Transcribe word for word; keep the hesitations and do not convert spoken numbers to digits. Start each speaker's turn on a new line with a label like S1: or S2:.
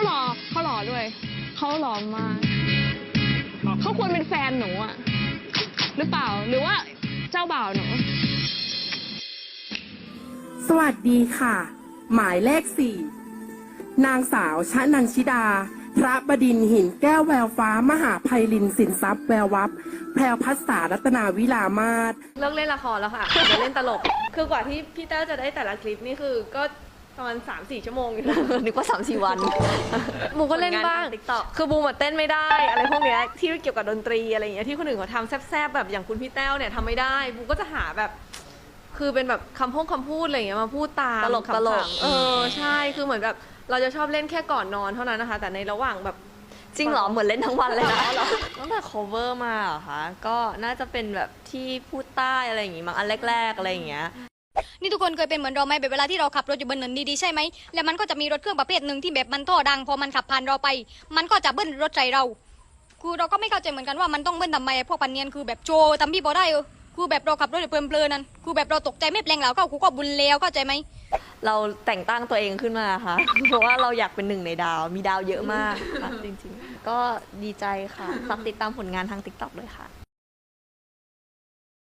S1: หล่อเขาหล่อด้วยเขาหล่อมากเขาควรเป็นแฟนหนูอะหรือเปล่าหรือว่าเจ้าบ่าวหนู
S2: สวัสดีค่ะ หมายเลขสี่นางสาวชนันชิดา พระบดินทร์หินแก้วแววฟ้ามหาไพลินสินทรัพย์แวววับแพรวพัสสารัตนาวิลามาศ
S3: เลิกเล่นละครแล้วค่ะเดี๋ยวเล่นตลกคือกว่าที่พี่แต้วจะได้แต่ละคลิปนี่คือก็ประมาณสามสี่ชั่วโมงอยู่นะ
S4: นึกว่าสามสี่วัน
S3: บูก็เล่นบ้างคือบูมาเต้นไม่ได้อะไรพวกเนี้ยที่เกี่ยวกับดนตรีอะไรอย่างเงี้ยที่คนอื่นเขาทำแซ่บๆแบบอย่างคุณพี่แต้วเนี่ยทำไม่ได้บูก็จะหาแบบคือเป็นแบบคำพูดคำพูดอะไรอย่างเงี้ยมาพูดตาม
S4: ตลกตลก
S3: เออใช่คือเหมือนแบบเราจะชอบเล่นแค่ก่อนนอนเท่านั้นนะคะแต่ในระหว่างแบบ
S4: จริงเหรอเหมือนเล่นทั้งวันเลยนะ
S5: ตั้งแต่ cover มาเหรอคะก็น่าจะเป็นแบบที่พูดใต้อะไรอย่างงี้มั้งอันแรกๆอะไรอย่างเงี้ย
S6: นี่ทุกคนเคยเป็นเหมือนเราไหมแบบเวลาที่เราขับรถอยู่บนถนนดีๆใช่ไหมแล้วมันก็จะมีรถเครื่องประเภทหนึ่งที่แบบมันท่อดังพอมันขับผ่านเราไปมันก็จะเบิ้ลรถใส่เราคือเราก็ไม่เข้าใจเหมือนกันว่ามันต้องเบิ้ลทำไมพวกปันเนียนคือแบบโจทำพี่บอได้เออคือแบบเราขับรถเพลินๆนั่นคือแบบเราตกใจไม่แปลงแล้วก็กูก็บุญแล้วเข้าใจไหม
S5: เราแต่งตั้งตัวเองขึ้นมาค่ะเพราะว่าเราอยากเป็นหนึ่งในดาวมีดาวเยอะมากค่ะจริงๆก็ดีใจค่ะฝากติดตามผลงานทาง ติ๊กต็อก ด้วยค่ะ